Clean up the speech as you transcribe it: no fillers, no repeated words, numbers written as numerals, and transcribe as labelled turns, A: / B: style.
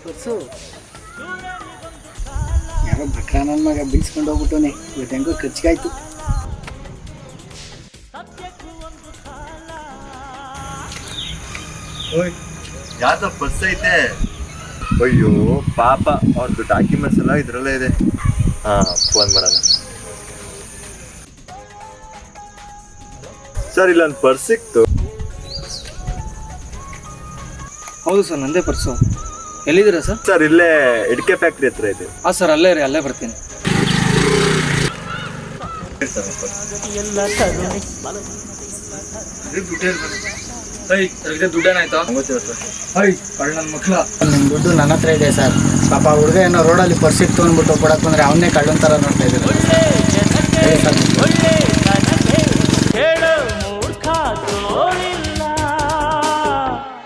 A: Purse ಯಾರೋ ಭಟ್ರ ನನ್ನ ಮಗ ಬೀಸ್ಕೊಂಡು ಹೋಗ್ಬಿಟ್ಟವನೆ. ಇವತ್ತು ಹೆಂಗೋ ಖರ್ಚಿಗಾಯ್ತು.
B: ಯಾವ್ದೋ ಪರ್ಸ್ ಐತೆ. ಅಯ್ಯೋ ಪಾಪ ಅವ್ರದ್ದು ಡಾಕ್ಯುಮೆಂಟ್ಸ್ ಎಲ್ಲ ಇದ್ರಲ್ಲೇ ಇದೆ. ಫೋನ್ ಮಾಡೋಣ. ಸರ್ ಇಲ್ಲೊಂದು ಪರ್ಸ್ ಸಿಕ್ತು.
C: ಹೌದು ಸರ್, ನಂದೇ ಪರ್ಸು. ಎಲ್ಲಿದ್ದೀರಾ ಸರ್?
B: ಸರ್ ಇಲ್ಲೇ ಇಡ್ಕೆ ಫ್ಯಾಕ್ಟ್ರಿ ಹತ್ರ ಇದೆ.
C: ಹಾಂ ಸರ್, ಅಲ್ಲೇ ರೀ, ಅಲ್ಲೇ ಬರ್ತೀನಿ. ದುಡ್ಡೇನಾಯ್ತು? ನನ್ನ ಮಕ್ಕಳ
A: ನಿಮ್ಮ ದುಡ್ಡು ನನ್ನ ಹತ್ರ ಇದೆ ಸರ್. ಪಾಪ ಹುಡುಗ ಏನೋ ರೋಡಲ್ಲಿ ಪರ್ಸ್ ಇತ್ತು ಅಂದ್ಬಿಟ್ಟು ಕೊಡಕ್ಕೆ ಬಂದರೆ ಅವನ್ನೇ ಕಳ್ಳನ ಥರ ನೋಡ್ತಾ ಇದ್ದಾರೆ. ಹೇಳಿ ಸರ್.